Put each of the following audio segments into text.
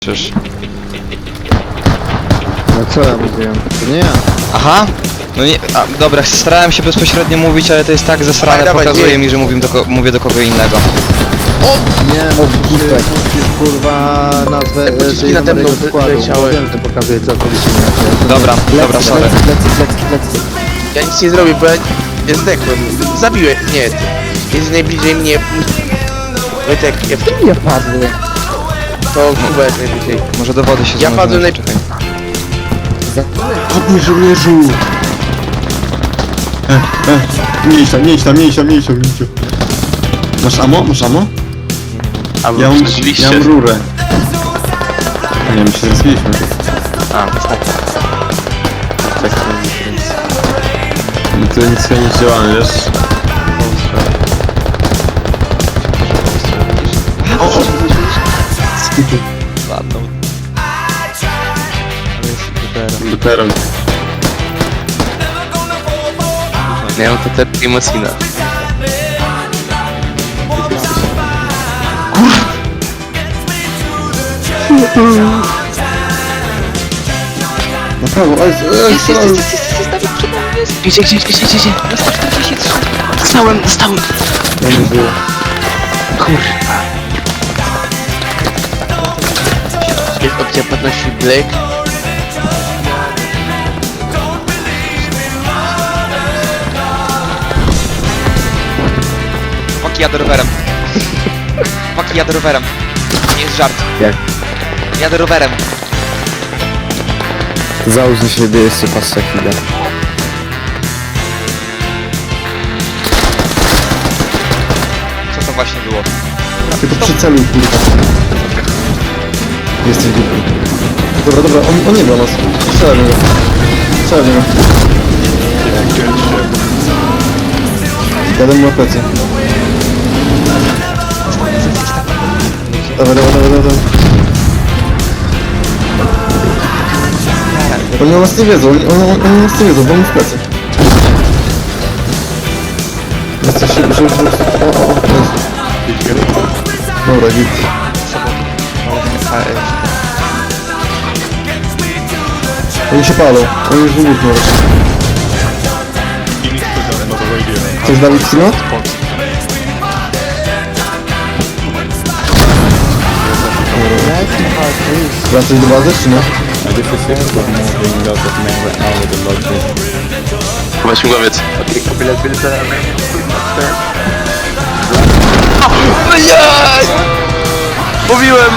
Czyż. No co ja mówiłem? To nie ja. Aha! No nie, dobra, starałem się bezpośrednio mówić, ale to jest tak zesrane, Dawaj, pokazuje nie. mi, że mówię do kogo innego. Nie, musisz kurwa nazwę pociski nade mną składu. leciały. Wiem, że to pokazuje co to Dobra, dobra, sorry. Lecę. Ja nic nie zrobię, bo ja zdechłem. Zabiłem. Nie. Jest najbliżej mnie. Wojtek, Ja padłem. to Kuba jest najbliżej. Może do wody się Ja padłem zanurzymy, czekaj. Chodź żołnierzu! Mniejsza. Masz ammo? Masz ammo? Ja mam rurę. A nie, my się zrespiliśmy. No to nic nie działamy, wiesz? Ładną. Dopiero. Nie mam to emocjna. Na prawo, Gdzie? Dostałem. Ja nie żyję. Kurwa. Jest opcja płatności Black. Paki jadę rowerem. Paki jadę rowerem. Nie jest żart. Jak? Jadę rowerem. Załóż na siebie jeszcze patrzę chwilę. Co to właśnie było? Tylko przyceluj, kurwa. Jesteś głupi. Dobra, on nie ma nas. Strzelaj w niego. Jadę mu na plecy. Dawaj. Oni o nas nie wiedzą, oni nas nie wiedzą, bo on w plecy. Jesteś się, że... Dobra, git. Oni się palą, oni już wybuchną raczej. Chcesz Dawid Sino? Wracać do bazy, czy nie? Chyba śmigłowiec. Blядь! Mówiłem!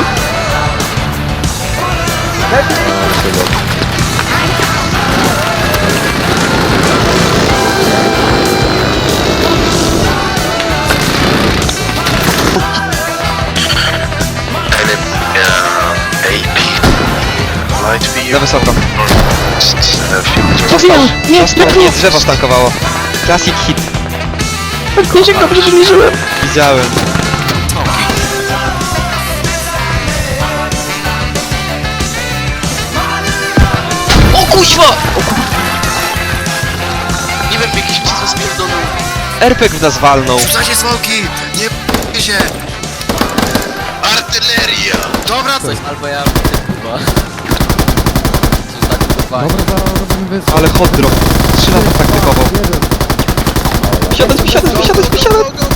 Za wysoko. Nie, drzewo stankowało. Classic hit. Gniesiek, dobrze, że nie żyłem. Widziałem. O kuźwa! Nie wiem, jakiś przez spierdolą. RPG w nas walnął. Rzucacie smoki! Nie p***cie się! Artyleria! Dobra, coś... Albo ja chyba. Ale hot drop. 3 lata praktykował. Wysiadać.